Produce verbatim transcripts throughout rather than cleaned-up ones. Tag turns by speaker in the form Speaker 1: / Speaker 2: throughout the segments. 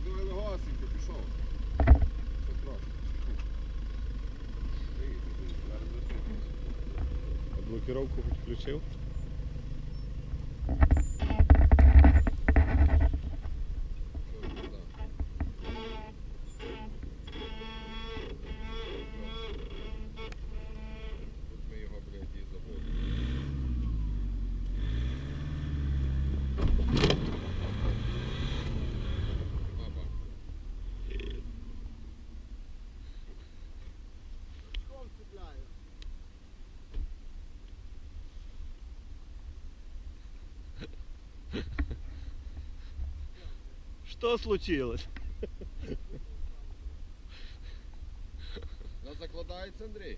Speaker 1: давай легасенько, пішов. Що трошки.
Speaker 2: Блокировку хоч включив? Что случилось?
Speaker 1: Вона закладається, Андрій?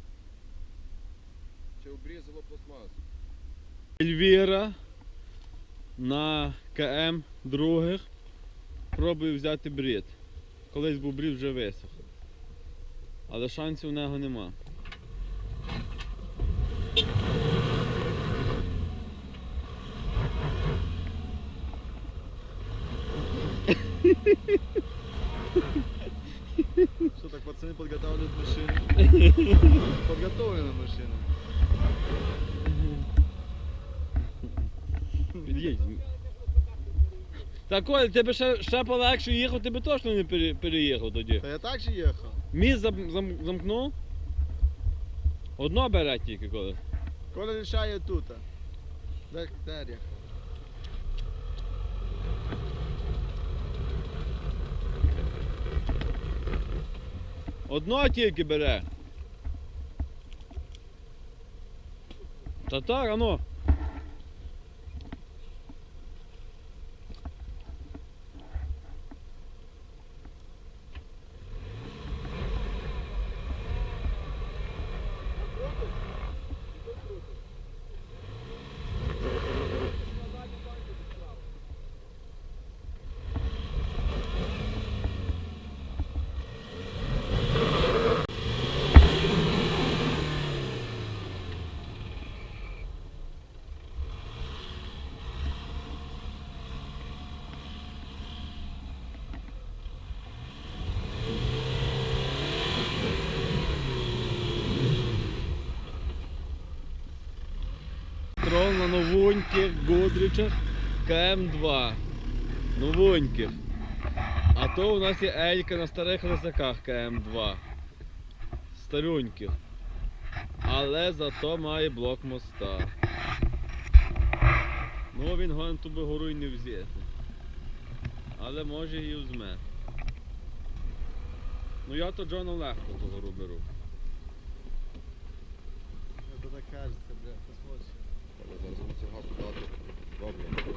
Speaker 1: Чи обрізало пластмасу?
Speaker 2: Ельвіра на КМ других пробує взяти брід. Колись був брід, вже висох. Але шансів у нього нема.
Speaker 3: Что так, пацаны подготавливают машину? Подготовлена машина.
Speaker 2: Під'їдь. Так, Оль, тебе ще, ще полегше їхав, ти би точно не пере- переїхав тоді.
Speaker 3: Да я так же ехал.
Speaker 2: Міст зам, зам, замкнув. Одно бере тільки коли.
Speaker 3: Коля решает тут. Так, Дарья.
Speaker 2: Одно тільки бере. Та так, ано. Трол на новеньких Годричах КМ два. Новеньких. А то у нас є Елька на старих лисаках КМ два. Стареньких. Але зато має блок моста. Ну він гон тобі гору й не взяти. Але може і взме. Ну я то Джону легко ту гору беру.
Speaker 3: Это так кажется, бля, посмотрим.
Speaker 1: Але зараз мусив газ дати. Добре.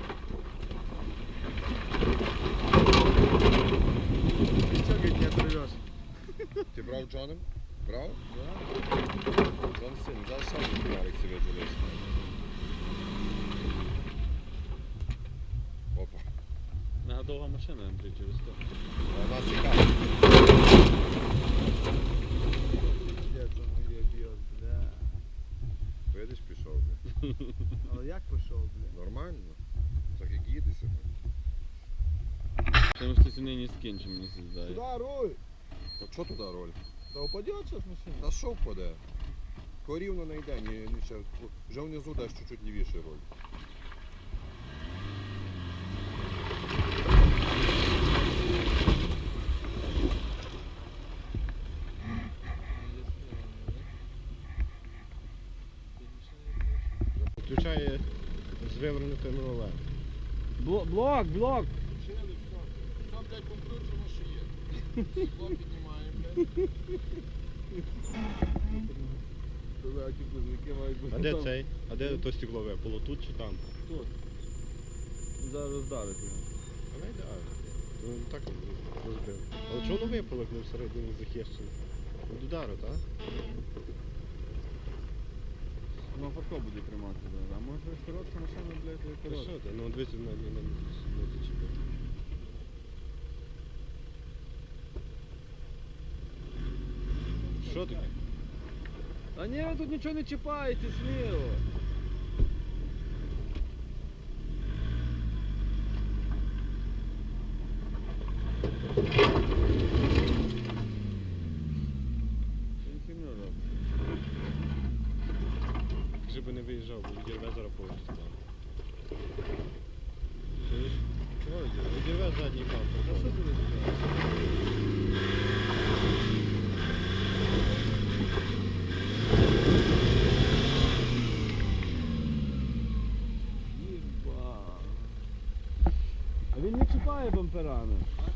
Speaker 3: Ты что, говорит, не оторвешь?
Speaker 1: Ти брав Джоном? Брав?
Speaker 3: Да.
Speaker 1: Джон син, зараз ще один ярик собі джолиш. Опа.
Speaker 2: Мега довга машина, Андрій, через то.
Speaker 1: А у нас яка?
Speaker 3: Где там ее бьет, бля.
Speaker 1: Видиш, пішов, бля.
Speaker 3: Але як пішов, бля?
Speaker 1: Нормально. Так як їде себе.
Speaker 2: Тому що сьогодні не скінчив, мені здає.
Speaker 3: Сюда руль.
Speaker 1: От що туди роль?
Speaker 3: Да упадет сейчас машина.
Speaker 1: Та що впаде? Корівно не йде, ні, ні, ще, вже внизу десь чуть-чуть лівіше роль.
Speaker 2: Включає з вивернутим рулем. Блок, блок, блок!
Speaker 1: Включили, все. Все, блядь, покручено, що є. Стекло піднімаємо, блядь.
Speaker 3: Дураки, близнюки мають бути.
Speaker 2: А де цей? А де то стекло випало? Тут чи там?
Speaker 3: Тут.
Speaker 2: Зараз роздавить його.
Speaker 1: А не йде.
Speaker 2: Ну так розбив. Але чого воно випало, як не всередині захищено? Від удару, так? Ну Фарко буде тримати, а може коротка машина, блядь, коротка. Що ти? Ну дивіться, на не не не зачепив. Що таке? А ні, ви тут нічого не чіпаєте, сміло.
Speaker 3: виїжджав, бо відірве зараз повністю.
Speaker 2: Чуєш?
Speaker 3: Чого відірве? Відірве задній
Speaker 2: Та
Speaker 3: бампер.
Speaker 2: що ти розбираєш? Єба. А він не чіпає бамперами.